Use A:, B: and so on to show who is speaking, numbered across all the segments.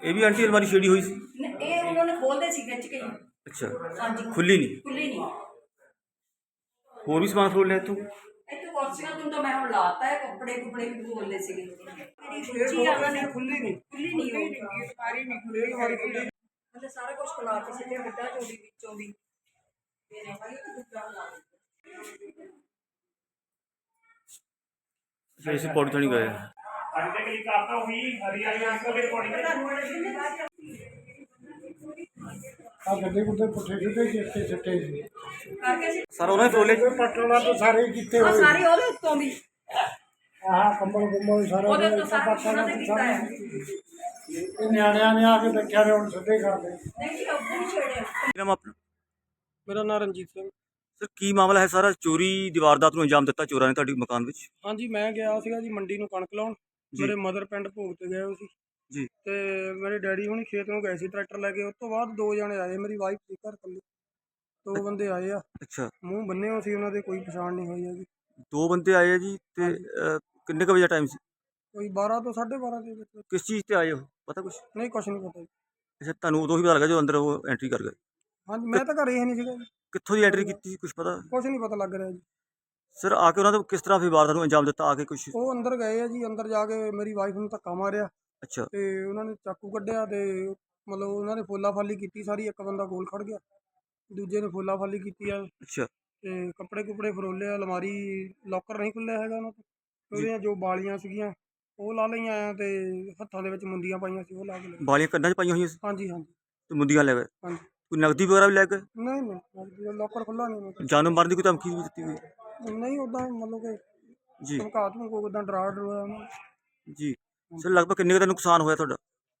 A: ये भी आंटी अलमारी छेड़ी हुई सी?
B: ये उन्होंने खोल दी सी खिंच के।
A: अच्छा,
B: हाँ जी,
A: खुली नहीं?
B: खुली नहीं।
A: होर भी समान फरोल लिया इत्थों?
B: इत्थों कुर्सियां तो मैं हुण लाता है, कपड़े कुपड़े भी खोल ले सीगे। मेरी खिंची आ ना, खुली नहीं होगी, सारी नहीं खुली, अलमारी खुली मतलब सारा कुछ खुला के सिटिया गड्ढा चोरी विचों भी मेरे भाई तो गुड्डा ला
A: इसी पौड़ी तो नहीं गए?
C: गड्ढे गुड्ढे पुट्ठे सिद्धे चिट्टे चिट्टे सी
A: सर उन्होंने फरोले?
C: पटना तो सारे कीते
B: और
C: होए
B: सारी ओदे उत्तों भी
C: आह कंबल कुंबल सारा
B: ओदे तो सारा ਉਹਨਾਂ ਦੇ ਕੀਤਾ ਹੈ।
C: ਨਿਆਣਿਆਂ ਨੇ ਆ ਕੇ ਦੇਖਿਆ ਨੇ ਹੁਣ ਸਿੱਧੇ ਕਰਦੇ
B: ਨਹੀਂ ਜੀ ਉੱਧਰ ਹੀ ਛੇੜਿਆ।
A: नाम अपना?
D: ਮੇਰਾ ਨਾਂ ਰਣਜੀਤ ਸਿੰਘ।
A: सर की मामला है सारा? चोरी दी वारदात ਨੂੰ अंजाम ਦਿੱਤਾ ਚੋਰਾਂ ਨੇ ਤੁਹਾਡੇ ਮਕਾਨ ਵਿੱਚ?
D: ਹਾਂਜੀ ਮੈਂ ਗਿਆ ਸੀਗਾ ਜੀ ਮੰਡੀ ਨੂੰ ਕਣਕ ਲਾਉਣ।
A: ਜੀ।
D: ਮੇਰੇ ਮਦਰ ਪਿੰਡ ਭੋਗ ਤੇ ਗਏ ਹੋਏ ਸੀ
A: ਜੀ।
D: ਤੇ ਮੇਰੇ ਡੈਡੀ ਹੁਣੀ ਖੇਤ ਨੂੰ ਗਏ ਸੀ ਟਰੈਕਟਰ ਲੈ ਕੇ। ਉਸ ਤੋਂ ਬਾਅਦ ਦੋ ਜਣੇ ਆਏ, ਮੇਰੀ ਵਾਈਫ ਸੀ ਘਰ ਇਕੱਲੀ। ਦੋ ਬੰਦੇ ਆਏ ਆ,
A: अच्छा,
D: ਮੂੰਹ ਬੰਨੇ ਹੋਏ ਸੀ, ਉਹਨਾਂ ਦੇ ਕੋਈ ਪਛਾਣ ਨਹੀਂ ਹੋਈ ਹੈਗੀ।
A: दो बंदे आए हैं जी ते किन्ने क बजे टाइम सी?
D: ਕੋਈ 12 ਤੋਂ 12:30 ਦੇ ਵਿੱਚ।
A: किस चीज़ ते आए हो पता कुछ?
D: ਨਹੀਂ ਕੁਛ ਨਹੀਂ ਪਤਾ ਜੀ।
A: अच्छा, ਤੁਹਾਨੂੰ ਉਦੋਂ ਹੀ ਪਤਾ ਲੱਗਾ ਜਦੋਂ ਅੰਦਰ ਉਹ ਐਂਟਰੀ ਕਰ ਗਏ?
D: ਹਾਂਜੀ ਮੈਂ ਤਾਂ ਘਰੇ ਹੀ ਨਹੀਂ ਸੀਗਾ ਜੀ,
A: ਕਿੱਥੋਂ ਦੀ ਐਂਟਰੀ ਕੀਤੀ ਕੁਝ ਪਤਾ?
D: ਕੁਛ ਨਹੀਂ ਪਤਾ ਲੱਗ ਰਿਹਾ ਜੀ।
A: ਸਰ ਆ ਕੇ ਉਹਨਾਂ ਨੇ ਕਿਸ ਤਰ੍ਹਾਂ ਫਿਰ ਵਾਰਦਾਤ ਨੂੰ ਅੰਜਾਮ ਦਿੱਤਾ ਆ ਕੇ ਕੁਝ?
D: ਉਹ ਅੰਦਰ ਗਏ ਆ ਜੀ, ਅੰਦਰ ਜਾ ਕੇ ਮੇਰੀ ਵਾਈਫ ਨੂੰ ਧੱਕਾ ਮਾਰਿਆ
A: ਅੱਛਾ,
D: ਤੇ ਉਹਨਾਂ ਨੇ ਚਾਕੂ ਕੱਢਿਆ ਤੇ ਮਤਲਬ ਉਹਨਾਂ ਨੇ ਫੋਲਾ ਫਾਲੀ ਕੀਤੀ ਸਾਰੀ। ਇੱਕ ਬੰਦਾ ਕੋਲ ਖੜ ਗਿਆ, ਦੂਜੇ ਨੇ ਫੋਲਾ ਫਾਲੀ ਕੀਤੀ ਆ
A: ਅੱਛਾ
D: ਤੇ ਕੱਪੜੇ ਕੁਪੜੇ ਫਰੋਲੇ। ਅਲਮਾਰੀ ਲੋਕਰ ਨਹੀਂ ਖੁੱਲਿਆ ਹੈਗਾ ਉਹਨਾਂ ਤੋਂ। ਉਹਦੀਆਂ ਜੋ ਬਾਲੀਆਂ ਸੀਗੀਆਂ ਉਹ ਲਾ ਲਈਆਂ ਆ ਤੇ ਹੱਥਾਂ ਦੇ ਵਿੱਚ ਮੁੰਦੀਆਂ ਪਾਈਆਂ ਸੀ ਉਹ ਲਾ ਕੇ ਲੈ ਗਏ।
A: ਬਾਲੀਆਂ ਕੰਨਾਂ 'ਚ ਪਾਈਆਂ ਹੋਈਆਂ ਸੀ
D: ਹਾਂਜੀ ਹਾਂਜੀ
A: ਤੇ ਮੁੰਦੀਆਂ ਲੈ ਗਏ?
D: ਹਾਂਜੀ।
A: ਕੋਈ ਨਕਦੀ ਵਗੈਰਾ ਵੀ ਲੈ ਗਏ?
D: ਨਹੀਂ ਨਹੀਂ ਲੋਕਰ ਖੁੱਲਾ ਨਹੀਂ ਉਹਨਾਂ
A: ਜਾਨੋਂ ਮਾਰਨ ਦੀ ਕੋਈ ਧਮਕੀ ਵੀ ਦਿੱਤੀ ਹੋਈ?
D: ਦਾ। ਨਹੀਂ ਉੱਦਾਂ ਮਤਲਬ ਕਿ
A: ਜੀ
D: ਧਮਕਾ ਧਮਕੋ ਉੱਦਾਂ ਡਰਾ ਡਰੋਇਆ ਉਹਨੂੰ।
A: ਜੀ। ਸਰ ਲਗਭਗ ਕਿੰਨੇ ਕੁ ਦਾ ਨੁਕਸਾਨ ਹੋਇਆ ਤੁਹਾਡਾ?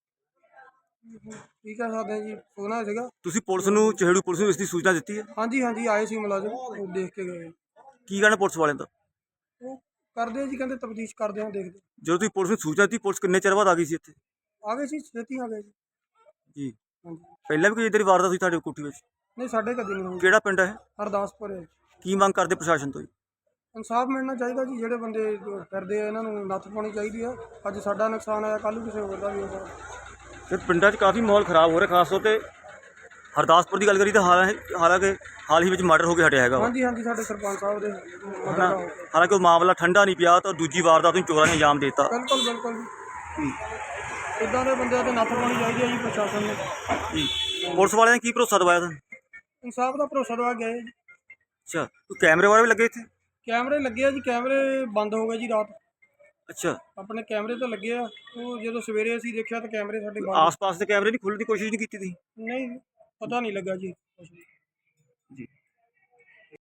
D: ਕੀ ਕਹਿ ਸਕਦੇ ਹਾਂ ਜੀ, ਸੋਨਾ ਸੀਗਾ।
A: ਤੁਸੀਂ ਪੁਲਿਸ ਨੂੰ, ਚਿਹੜੂ ਪੁਲਿਸ ਨੂੰ ਇਸ ਦੀ ਸੂਚਨਾ ਦਿੱਤੀ ਹੈ?
D: ਹਾਂਜੀ ਹਾਂਜੀ ਆਏ ਸੀ ਮੁਲਾਜ਼ਮ, ਉਹ ਦੇਖ ਕੇ ਗਏ।
A: ਕੀ ਕਹਿਣਾ ਪੁਲਿਸ ਵਾਲਿਆਂ ਦਾ?
D: ਉਹ ਕਰਦੇ ਆ ਜੀ, ਕਹਿੰਦੇ ਤਫਤੀਸ਼ ਕਰਦੇ ਆ, ਦੇਖਦੇ।
A: ਜਦੋਂ ਤੁਸੀਂ ਪੁਲਿਸ ਨੂੰ ਸੂਚਨਾ ਦਿੱਤੀ, ਪੁਲਿਸ ਕਿੰਨੇ ਚਿਰ ਬਾਅਦ ਆ ਗਈ ਸੀ ਇੱਥੇ?
D: ਆ ਗਏ ਸੀ, ਛੇਤੀ ਆ ਗਏ ਜੀ।
A: ਜੀ।
D: ਹਾਂਜੀ।
A: ਪਹਿਲਾਂ ਵੀ ਕੋਈ ਇੱਦਾਂ ਦੀ ਵਾਰਦਾਤ ਹੋਈ ਤੁਹਾਡੇ ਕੋਠੀ ਵਿੱਚ?
D: ਨਹੀਂ ਸਾਡੇ ਕਦੇ ਨਹੀਂ ਹੋਈ।
A: ਕਿਹੜਾ ਪਿੰਡ ਹੈ?
D: ਹਰਦਾਸਪੁਰ ਹੈ।
A: ਕੀ ਮੰਗ ਕਰਦੇ ਪ੍ਰਸ਼ਾਸਨ ਤੋਂ ਜੀ?
D: ਇਨਸਾਫ ਮਿਲਣਾ ਚਾਹੀਦਾ ਜੀ, ਜਿਹੜੇ ਬੰਦੇ ਫਿਰਦੇ ਆ ਇਹਨਾਂ ਨੂੰ ਨੱਥ ਪਾਉਣੀ ਚਾਹੀਦੀ ਆ। ਅੱਜ ਸਾਡਾ ਨੁਕਸਾਨ ਆਇਆ, ਕੱਲ੍ਹ ਨੂੰ ਕਿਸੇ ਹੋਰ ਦਾ ਵੀ ਹੋਊਗਾ।
A: ਸਰ ਪਿੰਡਾਂ 'ਚ ਕਾਫੀ ਮਾਹੌਲ ਖਰਾਬ ਹੋ ਰਿਹਾ, ਖਾਸ ਤੌਰ 'ਤੇ ਹਰਦਾਸਪੁਰ ਦੀ ਗੱਲ ਕਰੀ ਤਾਂ ਹਾਲਾਂਕਿ ਹਾਲ ਹੀ ਵਿੱਚ ਮਰਡਰ ਹੋ ਕੇ ਹਟਿਆ ਹੈਗਾ ਵਾ।
D: ਹਾਂਜੀ ਹਾਂਜੀ ਸਾਡੇ ਸਰਪੰਚ ਸਾਹਿਬ ਦੇ ਮਦਦ
A: ਹਨਾ?
D: ਨਾਲ।
A: ਹਾਲਾਂਕਿ ਉਹ ਮਾਮਲਾ ਠੰਡਾ ਨਹੀਂ ਪਿਆ ਤਾਂ ਦੂਜੀ ਵਾਰਦਾਤ ਨੂੰ ਚੋਰਾਂ ਨੇ ਅੰਜਾਮ ਦੇ ਦਿੱਤਾ।
D: ਬਿਲਕੁਲ ਬਿਲਕੁਲ ਜੀ। ਇੱਦਾਂ ਦੇ ਬੰਦਿਆਂ ਤੇ ਨੱਥ ਪਾਉਣੀ ਚਾਹੀਦੀ ਹੈ ਜੀ ਪ੍ਰਸ਼ਾਸਨ ਨੂੰ।
A: ਜੀ। ਪੁਲਿਸ ਵਾਲਿਆਂ ਨੇ ਕੀ ਭਰੋਸਾ ਦਵਾਇਆ ਤੁਹਾਨੂੰ?
D: ਇਨਸਾਫ ਦਾ ਭਰੋਸਾ ਦਵਾ ਗਏ ਜੀ।
A: ਅੱਛਾ, ਕੋਈ ਕੈਮਰੇ ਵਗੈਰਾ ਵੀ ਲੱਗੇ ਇੱਥੇ?
D: ਕੈਮਰੇ ਲੱਗੇ ਆ ਜੀ, ਕੈਮਰੇ ਬੰਦ ਹੋ ਗਏ ਜੀ ਰਾਤ।
A: ਅੱਛਾ,
D: ਆਪਣੇ ਕੈਮਰੇ ਤਾਂ ਲੱਗੇ ਆ, ਉਹ ਜਦੋਂ ਸਵੇਰੇ ਅਸੀਂ ਦੇਖਿਆ ਤਾਂ ਕੈਮਰੇ ਸਾਡੇ ਬੰਦ।
A: ਆਸ-ਪਾਸ ਦੇ ਕੈਮਰੇ ਦੀ ਖੁੱਲ੍ਹਣ ਦੀ ਕੋਸ਼ਿਸ਼ ਨਹੀਂ ਕੀਤੀ ਤੁਸੀਂ?
D: ਨਹੀਂ ਪਤਾ ਨਹੀਂ ਲੱਗਾ ਜੀ ਕੁਛ ਵੀ।